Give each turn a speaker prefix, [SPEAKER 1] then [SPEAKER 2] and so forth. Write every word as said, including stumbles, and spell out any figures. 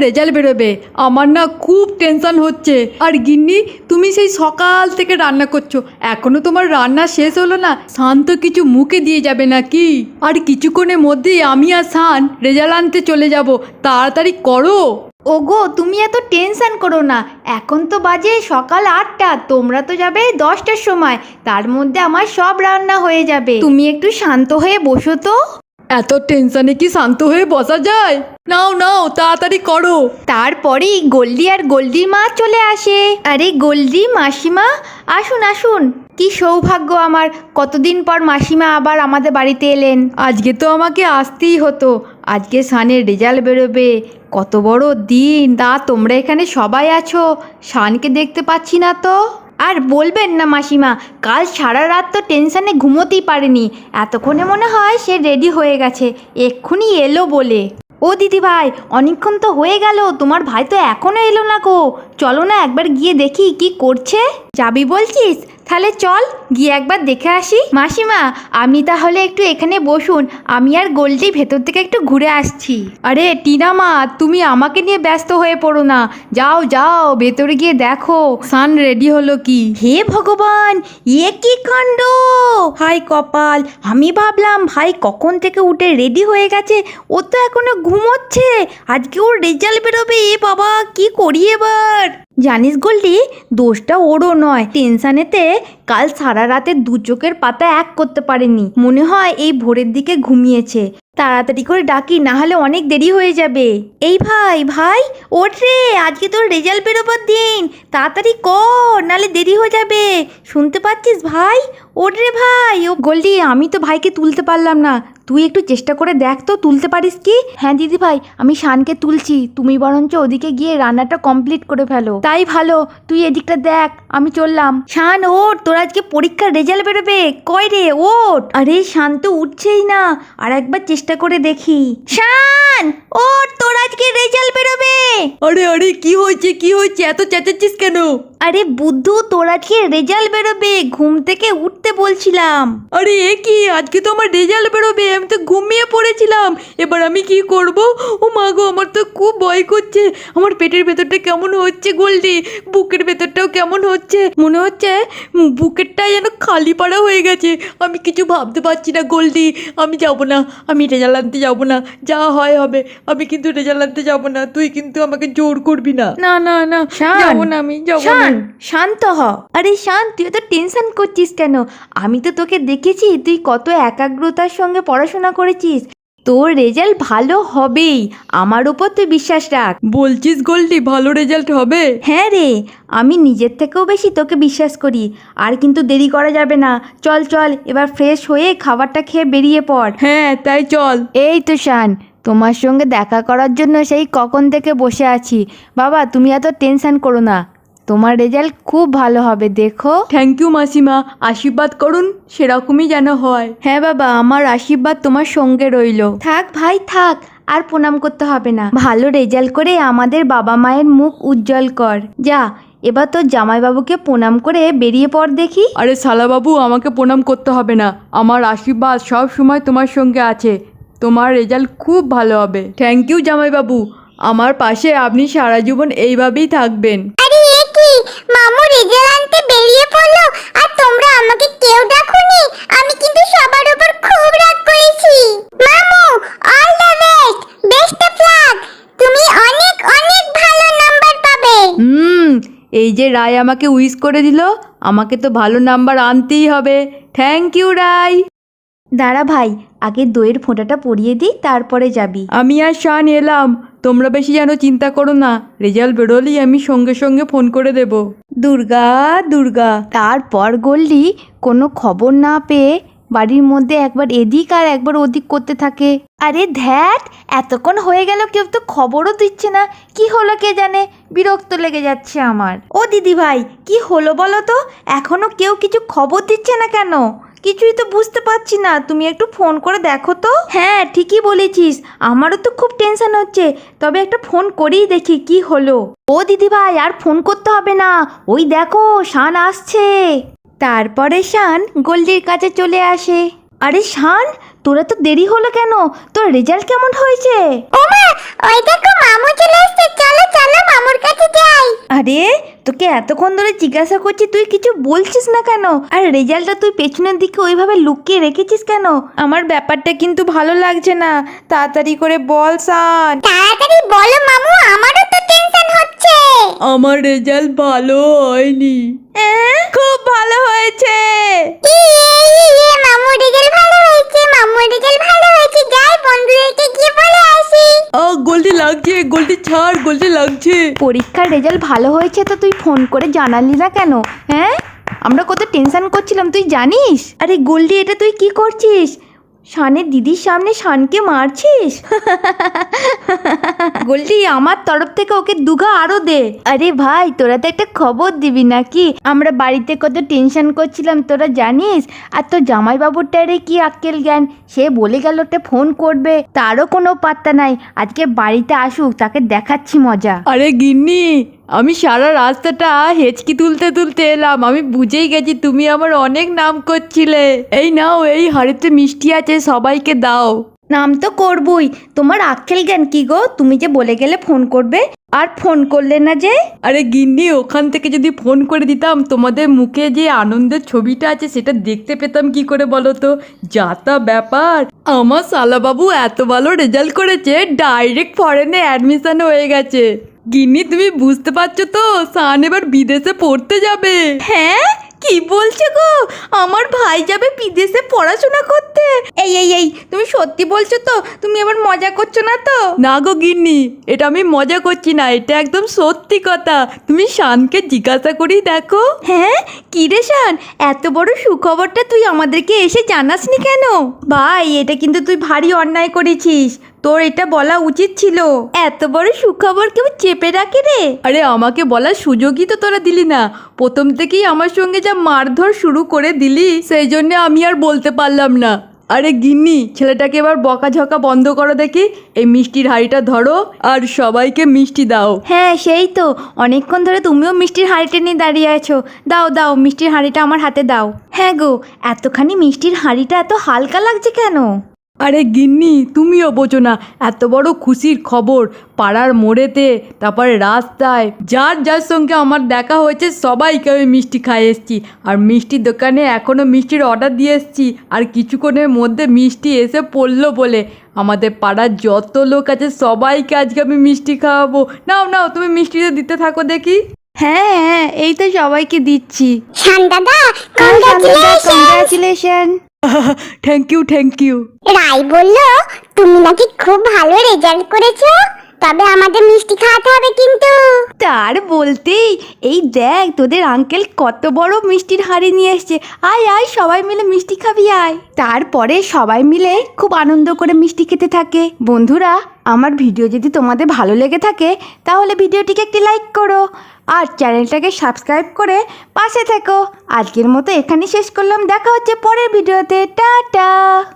[SPEAKER 1] Result বেরোবে, আমার না খুব টেনশন হচ্ছে। আর গিন্নি, তুমি সেই সকাল থেকে রান্না করছো, এখনো তোমার রান্না শেষ হলো না? শান তো কিছু মুখে দিয়ে যাবে নাকি? আর কিছুক্ষণের মধ্যেই আমি আর শান রেজাল্ট আনতে চলে যাব, তাড়াতাড়ি করো।
[SPEAKER 2] ওগো তুমি এত টেনশন করো না, এখন তো বাজে সকাল আটটা, তোমরা তো যাবে দশটার সময়, তার মধ্যে আমার সব রান্না হয়ে যাবে। তুমি একটু শান্ত হয়ে বসো তো।
[SPEAKER 1] এত টেনশনে কি শান্ত হয়ে বসা যায়? নাও নাও তাড়াতাড়ি করো।
[SPEAKER 2] তারপরেই গোল্ডি আর গোল্ডির মা চলে আসে। আরে গোল্ডি, মাসিমা আসুন আসুন, কি সৌভাগ্য আমার, কতদিন পর মাসিমা আবার আমাদের বাড়িতে এলেন।
[SPEAKER 1] আজকে তো আমাকে আসতেই হতো, আজকে শানের রেজাল্ট বেরোবে, কত বড় দিন। তা তোমরা এখানে সবাই আছো, শানকে দেখতে পাচ্ছি না তো।
[SPEAKER 2] আর বলবেন না মাসিমা, কাল সারা রাত তো টেনশানে ঘুমোতেই পারেনি, এতক্ষণে মনে হয় সে রেডি হয়ে গেছে, এক্ষুনি এলো বলে। ও দিদি ভাই, অনেকক্ষণ তো হয়ে গেল, তোমার ভাই তো এখনও এলো না গো, চলো না একবার গিয়ে দেখি কি করছে। যাবি বলছিস? তাহলে চল গিয়ে একবার দেখে আসি। মাসিমা আপনি তাহলে একটু এখানে বসুন, আমি আর গোল্ডি ভেতর থেকে একটু ঘুরে আসছি।
[SPEAKER 1] আরে টিনা মা, তুমি আমাকে নিয়ে ব্যস্ত হয়ে পড়ো না, যাও যাও ভেতরে গিয়ে দেখো শান রেডি হলো কি।
[SPEAKER 2] হে ভগবান, এ কি কাণ্ড! হাই কপাল, আমি ভাবলাম ভাই কখন থেকে উঠে রেডি হয়ে গেছে, ও তো এখনো ঘুমোচ্ছে, আজকে ওর রেজাল্ট বেরোবে। এ বাবা, কি করি এবার? জানিস গোল্ডি, দোষটা ওরও নয়, টেনশানেতে কাল সারা রাতে দু চোখের পাতা এক করতে পারেনি, মনে হয় এই ভোরের দিকে ঘুমিয়েছে। তাড়াতাড়ি করে ডাকি, না হলে অনেক দেরি হয়ে যাবে। এই ভাই ভাই, ওঠ রে, আজকে তোর রেজাল্ট বেরোবার দিন, তাড়াতাড়ি কর, নালে দেরি হয়ে যাবে। শুনতে পাচ্ছিস ভাই? ওঠ রে ভাই। ও গোল্ডি, আমি তো ভাইকে তুলতে পারলাম না, তুই একটু চেষ্টা করে দেখ তো, তুলতে পারিস কি? হ্যাঁ দিদি ভাই, আমি শানকে তুলছি, তুমি বরঞ্চ ওদিকে গিয়ে রান্নাটা কমপ্লিট করে ফেলো। তাই ভালো, তুই এদিকটা দেখ, আমি চললাম। শান ওঠ, তোর আজকে পরীক্ষার রেজাল্ট বেরোবে, কয় রে ওঠ। আরে শান তো উঠছেই না, আর একবার চেষ্টা করে দেখি। শান ওঠ, তোর আজকে রেজাল্ট বেরোবে।
[SPEAKER 1] আরে আরে কি হয়েছে কি হয়েছে, এত চেঁচাচ্ছিস কেন?
[SPEAKER 2] আরে বুদ্ধু, তোর আজকে রেজাল্ট বেরোবে, ঘুম থেকে উঠতে বলছিলাম।
[SPEAKER 1] আরে এ কি, আজকে তো আমার রেজাল্ট বেরোবে, আমি তো ঘুমিয়ে পড়েছিলাম, এবার আমি কি করব? ও মা গো, আমার তো খুব ভয় করছে, আমার পেটের ভেতরটা কেমন হচ্ছে গোল্ডি, বুকের ভেতরটাও কেমন হচ্ছে, মনে হচ্ছে বুকেরটা যেন খালি পাড়া হয়ে গেছে, আমি কিছু ভাবতে পারছি না গোল্ডি, আমি যাব না, আমি রেজাল্ট আনতে যাব না, যা হয় হবে, আমি কিন্তু রেজাল্ট আনতে যাব না, তুই কিন্তু আমাকে জোর করবি না। না না না, যাবো না, আমি যাবো না।
[SPEAKER 2] শান্ত হ। আরে শান, তুই তো টেনশন করছিস কেন? আমি তো তোকে দেখেছি, তুই কত একাগ্রতার সঙ্গে পড়াশোনা করেছিস, তোর রেজাল্ট ভালো হবেই, আমার উপর তুই বিশ্বাস রাখ।
[SPEAKER 1] বলছিস গোল্ডি ভালো রেজাল্ট হবে?
[SPEAKER 2] হ্যাঁ রে, আমি নিজের থেকেও বেশি তোকে বিশ্বাস করি। আর কিন্তু দেরি করা যাবে না, চল চল এবার ফ্রেশ হয়ে খাবারটা খেয়ে বেরিয়ে পড়।
[SPEAKER 1] হ্যাঁ তাই চল।
[SPEAKER 2] এই তো শান, তোমার সঙ্গে দেখা করার জন্য সেই কখন থেকে বসে আছি। বাবা তুমি এত টেনশন করো না, তোমার রেজাল্ট খুব ভালো হবে, দেখো।
[SPEAKER 1] থ্যাংক ইউ মাসিমা, আশীর্বাদ করুন সেরকমই যেন হয়।
[SPEAKER 2] হ্যাঁ বাবা, আমার আশীর্বাদ তোমার সঙ্গে রইল। থাক ভাই থাক, আর প্রণাম করতে হবে না, ভালো রেজাল্ট করে আমাদের বাবা মায়ের মুখ উজ্জ্বল কর। যা, এবার তোর জামাইবাবুকে প্রণাম করে বেরিয়ে পড় দেখি।
[SPEAKER 1] আরে শালাবাবু, আমাকে প্রণাম করতে হবে না, আমার আশীর্বাদ সব সময় তোমার সঙ্গে আছে, তোমার রেজাল্ট খুব ভালো হবে। থ্যাংক ইউ জামাইবাবু, আমার পাশে আপনি সারা জীবন এইভাবেই থাকবেন।
[SPEAKER 3] আরে এ কি, মামু রেজাল্ট আনতে বেরিয়ে পড়লো আর তোমরা আমাকে কেউ ডাকুনি? আমি কিন্তু সবার উপর খুব রাগ করেছি। মামু, all the best, best of luck, তুমি অনেক অনেক ভালো নাম্বার পাবে।
[SPEAKER 1] হুম, এই যে রায় আমাকে উইশ করে দিল, আমাকে তো ভালো নাম্বার আনতেই হবে। Thank you Rai.
[SPEAKER 2] দাঁড়া ভাই, আগে দইয়ের ফোঁটাটা পরিয়ে দিই, তারপরে যাবি।
[SPEAKER 1] আমি আর শান এলাম, তোমরা বেশি যেন চিন্তা করো না, রেজাল্ট বেরোলেই আমি সঙ্গে সঙ্গে ফোন করে দেব।
[SPEAKER 2] দুর্গা দুর্গা। তারপর গোল্ডি কোনো খবর না পেয়ে বাড়ির মধ্যে একবার এদিক আর একবার ওদিক করতে থাকে। আরে ধ্যাট, এতক্ষণ হয়ে গেল কেউ তো খবরও দিচ্ছে না, কি হলো কে জানে, বিরক্ত লেগে যাচ্ছে আমার। ও দিদি ভাই, কি হলো বলো তো, এখনো কেউ কিছু খবর দিচ্ছে না কেন? কিছুই তো বুঝতে পারছি না, তুমি একটু ফোন করে দেখো তো। হ্যাঁ ঠিকই বলেছিস, আমারও তো খুব টেনশন হচ্ছে, তবে একটা ফোন করেই দেখি কি হলো। ও দিদি ভাই, আর ফোন করতে হবে না, ওই দেখো শান আসছে। তারপরে শান গোল্ডির কাছে চলে আসে। আরে শান, তোরা তো দেরি হলো কেন? তোর রেজাল্ট কেমন হয়েছে?
[SPEAKER 3] ওমা, ওই দেখো মামু চলে এসেছে, চলো চলো মামুর কাছে যাই।
[SPEAKER 2] আরে তোকে এতক্ষণ ধরে জিজ্ঞাসা করছি, তুই কিছু বলছিস না কেন? আর রেজাল্টটা তুই পেছনের দিকে ওইভাবে লুকিয়ে রেখেছিস কেন? আমার ব্যাপারটা কিন্তু ভালো লাগছে না, তাড়াতাড়ি করে বল সান।
[SPEAKER 3] তাড়াতাড়ি বলো মামু, আমারও তো টেনশন হচ্ছে।
[SPEAKER 1] আমার রেজাল্ট ভালো হয়নি।
[SPEAKER 2] খুব ভালো হয়েছে।
[SPEAKER 3] ইয়ে, ইয়ে, মামু রেজাল্ট ভালো হয়েছে, মামু রেজাল্ট ভালো হয়েছে। যাই বন্ধুদেরকে গিয়ে বলে আসি।
[SPEAKER 1] আ গোলটি লাগছে, গোলটি ছাড়, গোলটি লাগছে।
[SPEAKER 2] পরীক্ষার রেজাল্ট ভালো হয়েছে তো তুই ফোন করে জানালি না কেন? হ্যাঁ, আমরা কত টেনশন করছিলাম তুই জানিস? আরে গোল্ডি, এটা তুই কি করছিস? শানের দিদির সামনে শানকে মারছিস? গোল্ডি, আমার তরফ থেকে ওকে দুঘা আরো দে। আরে ভাই, তোরা তো একটা খবর দিবি নাকি? আমরা বাড়িতে কত টেনশন করছিলাম তোরা জানিস? আর তোর জামাইবাবুরটারে কি আক্কেল জ্ঞান, সে বলে গেল ওটা ফোন করবে, তারও কোনো পাত্তা নাই। আজকে বাড়িতে আসুক, তাকে দেখাচ্ছি মজা।
[SPEAKER 1] আরে গিন্নি, আমি সারা রাস্তাটা হেঁচকি তুলতে তুলতে এলাম। আমি বুঝেই গেছি তুমি আমার অনেক নাম করছিলে। এই নাও, এই হাড়িতে মিষ্টি আছে, সবাইকে দাও।
[SPEAKER 2] নাম তো করবই, তোমার আক্কেল জ্ঞান কি গো? তুমি যে বলে গেলে ফোন করবে, আর ফোন করলে না যে?
[SPEAKER 1] আরে গিন্নি, ওখান থেকে যদি ফোন করে দিতাম, তোমাদের মুখে যে আনন্দের ছবিটা আছে সেটা দেখতে পেতাম কি করে বলো তো? যা তা ব্যাপার, আমার শালাবাবু এত ভালো রেজাল্ট করেছে, ডাইরেক্ট ফরেনে অ্যাডমিশন হয়ে গেছে। গিন্নি, তুমি বুঝতে পারছো তো, সান এবার বিদেশে পড়তে যাবে।
[SPEAKER 2] হ্যাঁ, কি বলছো গো? আমার ভাই যাবে বিদেশে পড়াশোনা করতে? এই এই এই তুমি সত্যি বলছো তো? তুমি আবার মজা করছো না তো?
[SPEAKER 1] না গো গিন্নি, এটা আমি মজা করছি না, এটা একদম সত্যি কথা। তুমি শানকে জিজ্ঞাসা করেই দেখো।
[SPEAKER 2] হ্যাঁ, কি রে শান, এত বড় সুখবরটা তুই আমাদেরকে এসে জানাসনি কেন? ভাই, এটা কিন্তু তুই ভারী অন্যায় করেছিস, তোর এটা বলা উচিত ছিল। এত বড় সুখবর কেউ চেপে রাখে রে?
[SPEAKER 1] আরে আমাকে বলার সুযোগই তো তোরা দিলি না। প্রথম থেকেই আমার সঙ্গে যা মারধর শুরু করে দিলি, সেই জন্য আমি আর বলতে পারলাম না। আরে গিন্নি, ছেলেটাকে এবার বকাঝকা বন্ধ করো দেখি। এই মিষ্টির হাঁড়িটা ধরো আর সবাইকে মিষ্টি দাও।
[SPEAKER 2] হ্যাঁ, সেই তো, অনেকক্ষণ ধরে তুমিও মিষ্টির হাঁড়িটা নিয়ে দাঁড়িয়ে আছো। দাও দাও, মিষ্টির হাঁড়িটা আমার হাতে দাও। হ্যাঁ গো, এতখানি মিষ্টির হাঁড়িটা এত হালকা লাগছে কেন?
[SPEAKER 1] আরে গিন্নি, তুমিও বোঝো না, এত বড় খুশির খবর পাড়ার মোড়েতে, তারপরে রাস্তায়, যার যার সঙ্গে আমার দেখা হয়েছে সবাইকে আমি মিষ্টি খাইয়ে এসেছি। আর মিষ্টির দোকানে এখনও মিষ্টির অর্ডার দিয়ে এসেছি, আর কিছুক্ষণের মধ্যে মিষ্টি এসে পড়লো বলে আমাদের পাড়ার যত লোক আছে সবাইকে আজকে আমি মিষ্টি খাওয়াবো। নাও নাও, তুমি মিষ্টিটা দিতে থাকো দেখি।
[SPEAKER 2] হ্যাঁ হ্যাঁ, এই তো সবাইকে দিচ্ছি।
[SPEAKER 3] শান দাদা, congratulation.
[SPEAKER 2] Congratulation.
[SPEAKER 1] Thank you, thank you.
[SPEAKER 3] Rai বলল তুমি নাকি খুব ভালো রেজাল্ট করেছো, তবে আমাদের মিষ্টি খাওয়াতে হবে কিন্তু।
[SPEAKER 2] তার বলতেই এই দেখ, তোদের আঙ্কেল কত বড় মিষ্টির হাঁড়ি নিয়ে এসছে। আয় আয়, সবাই মিলে মিষ্টি খাবি আয়। তারপরে সবাই মিলে খুব আনন্দ করে মিষ্টি খেতে থাকে। বন্ধুরা, আমার ভিডিও যদি তোমাদের ভালো লেগে থাকে তাহলে ভিডিওটিকে একটি লাইক করো আর চ্যানেলটাকে সাবস্ক্রাইব করে পাশে থেকো। আজকের মতো এখানেই শেষ করলাম, দেখা হচ্ছে পরের ভিডিওতে। টাটা।